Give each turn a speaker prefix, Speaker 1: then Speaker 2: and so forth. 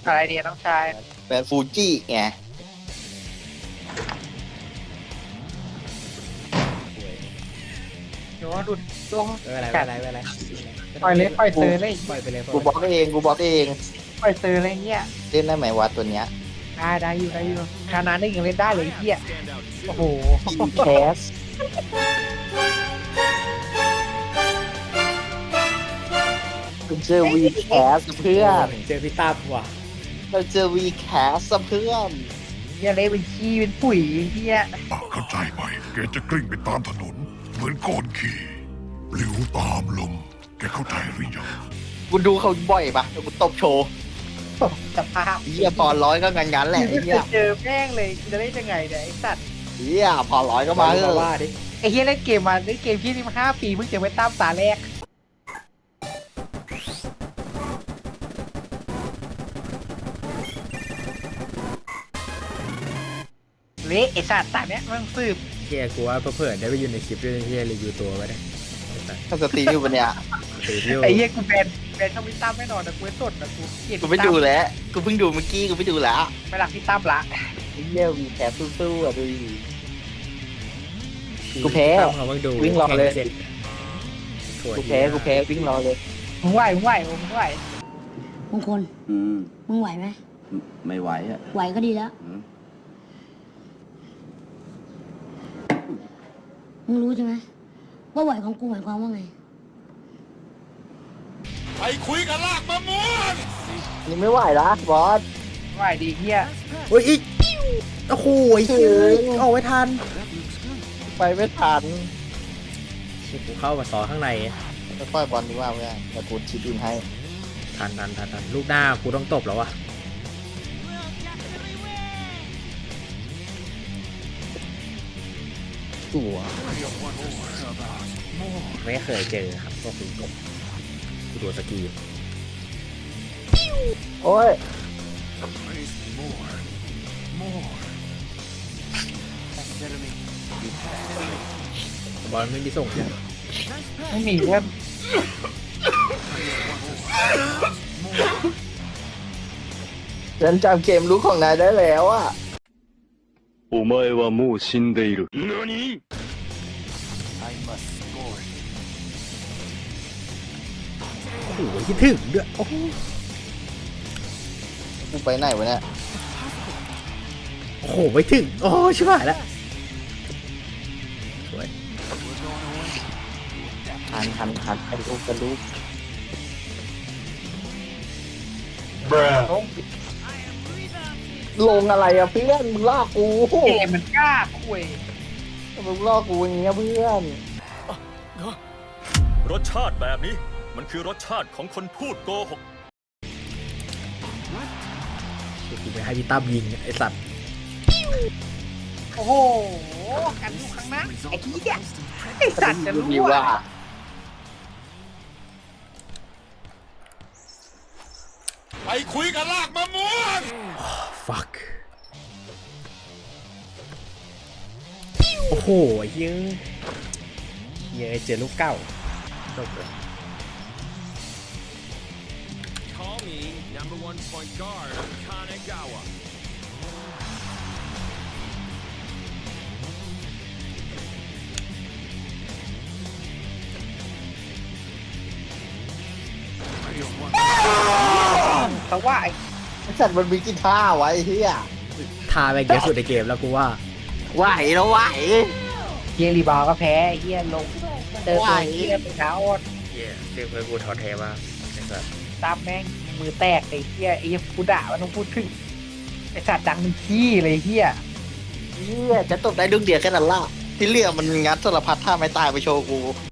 Speaker 1: อะไรเดียน้องชาย
Speaker 2: แบรนด์ฟูจิไง
Speaker 1: เดี๋ยวดูดวง
Speaker 3: ไม่เป็นไรไม่เป็นไรไม่เป็นไร
Speaker 1: ปล่อยเลยปล่อยเซอร์เลย
Speaker 3: ปล่อยไปเลย
Speaker 2: กูบล็อกเองกูบล็อกเอง
Speaker 1: ปล่อยเซอร์อะไรเงี้ย
Speaker 2: เล่นได้ไหมวะตัวเนี้ย
Speaker 1: ได้อยู่คานาได้ยังเล่นได้เลยไอ้เฮียโอ้โห
Speaker 2: แคสเราเจอวีแคสเพื่อน
Speaker 3: เจอพี่ตั้มว่ะ
Speaker 2: เราเจอวีแคสเพื่อน
Speaker 1: เฮียเละเป็นขี้เป็นปุ๋ยไอ้เฮีย
Speaker 4: เข้าใจไหมแกจะกลิ้งไปตามถนน เหมือนก้อนขี้หลิวตามลม แกเข้าใจหรือยัง
Speaker 2: กูดูเขาบ่อยปะกูตบโชว์
Speaker 1: สภาพ
Speaker 2: เฮียพอร้อยก็งั้นแหละไอ้เฮีย
Speaker 1: เจอแม่งเลยจะได้ยังไงเนี่ยไอ้สัตว์
Speaker 2: เฮียพอร้อยก็มาเถ
Speaker 3: มา
Speaker 2: อะ
Speaker 3: ว่าดิ
Speaker 1: ไอ้เฮียเล่นเกมมาเล่นเกมที่นี่มา5 ปีเพิ่งเจอไว้ตามตาแรกเละไอ้สัตว์ตาเนี้ยมันสืบ
Speaker 3: เฮียกูว่าเผื่อได้ไปอยู่ในคลิปด้วยเฮียรีวิวตัวไว้ได้
Speaker 2: ถ้าสตรีมอยู่ปะเนี่ย
Speaker 3: ตีวิว
Speaker 1: ไอ้เหี้ยกูแบนช่องพี่ตั้มไม่นอนนะกูไม่สดนะกูเกลียด
Speaker 2: กูไปดูแล้วกูเพิ่งดูเมื่อกี้กูไปดูแล้ว
Speaker 1: ไม่รักพี่ตั้มละ
Speaker 2: ไอ้เฮียวีแคสสู้ๆอ่ะดูดิ กูแพ้
Speaker 3: ตั้มเขาเพิ่งดู
Speaker 2: วิ่งรอเลย
Speaker 3: แข่สร็จสวย
Speaker 2: กูแพ้วิ่งรอเลย
Speaker 1: มึงไหวมึงไหวมึงไหว
Speaker 5: มงคล
Speaker 6: อืม
Speaker 5: มึงไหวไหม
Speaker 6: ไม่ไหวอ่ะ
Speaker 5: ไหวก็ดีแล้ว
Speaker 6: อืม
Speaker 5: มึงรู้ใช่ไหมว่าไหวของกูหมายความว่าไง
Speaker 2: นี่ไม่ไหวละบอส
Speaker 1: ไหวดีเหี้ย
Speaker 3: โอ้ยอีกโอ้โหเฮียเอาไว้ทัน
Speaker 2: ไปไม่ทัน
Speaker 3: กูเข้ามาซ้อข้างใน
Speaker 2: จะปล่อยบอลดีกว่าเพื่อนแต่กูชิดอินให้
Speaker 3: ทันลูกหน้ากูต้องตบแล้ววะ
Speaker 2: ตัว
Speaker 3: ไม่เคยเจอครับพวกคุณกบกูดูสกี
Speaker 2: โอ้ย
Speaker 3: บอลไม่มีส่งเนี่ย
Speaker 1: ไม่มีเพื่อน
Speaker 2: ฉันจำเกมรู้ของนายได้แล้วอ่ะ
Speaker 7: お前はもう死んでいる。何
Speaker 3: โอ้โหคิดถึงด้วยโอ้โห
Speaker 2: กูไปไหนวะเนี่ย
Speaker 3: โอ้โหไม่ถึงโอ้ชิบหายแล้วสวย
Speaker 2: ทันไปลูกกันลูก ลงอะไรอ่ะเพื่อนมึงลอกกู
Speaker 1: เกมมันกล้าคุย
Speaker 2: มึงลอกกูอย่างเงี้ยเพื่อน
Speaker 8: รสชาติแบบนี้มันคือรสชาติของคนพูดโกหก
Speaker 3: กูไปให้พี่ตั้มยิงไอสัตว์
Speaker 1: โอ้โหกันอยู่ข้างหน้าไอ้เหี้ยไอ้สัตว์จะรู้
Speaker 2: ดี
Speaker 1: ว่า
Speaker 2: ว่า
Speaker 3: ฟักโอ้โหยังเจอลูกเก้าจบเลย
Speaker 8: Call me number one point guard Kanagawa
Speaker 1: แต่ว่าไอ้
Speaker 2: ไอ้สัตว์มันมีกีตาร์ไว้เฮีย
Speaker 3: ทาไปเยอะสุดในเกมแล้วกูว่า
Speaker 2: ไหวแล้วไหว
Speaker 1: เฮียรีบาวก็แพ้ไอ้เฮียลงเจอตัวเฮียเป็นขาอ่อน
Speaker 3: เย้เรียกเพื่อนกูถอดเทมากไอสัตว์
Speaker 1: ตามแม่งมือแตกไอ้เฮียไอ้เฮียกูด่ามันต้องพูดถึงไอ้สัตว์ดังมันขี้เลยเฮีย
Speaker 2: เฮียจะตบได้ดุกเดียวแค่นั้นล่ะที่เหลือมันงัดสารพัดท่าไม่ตายไปโชว์กู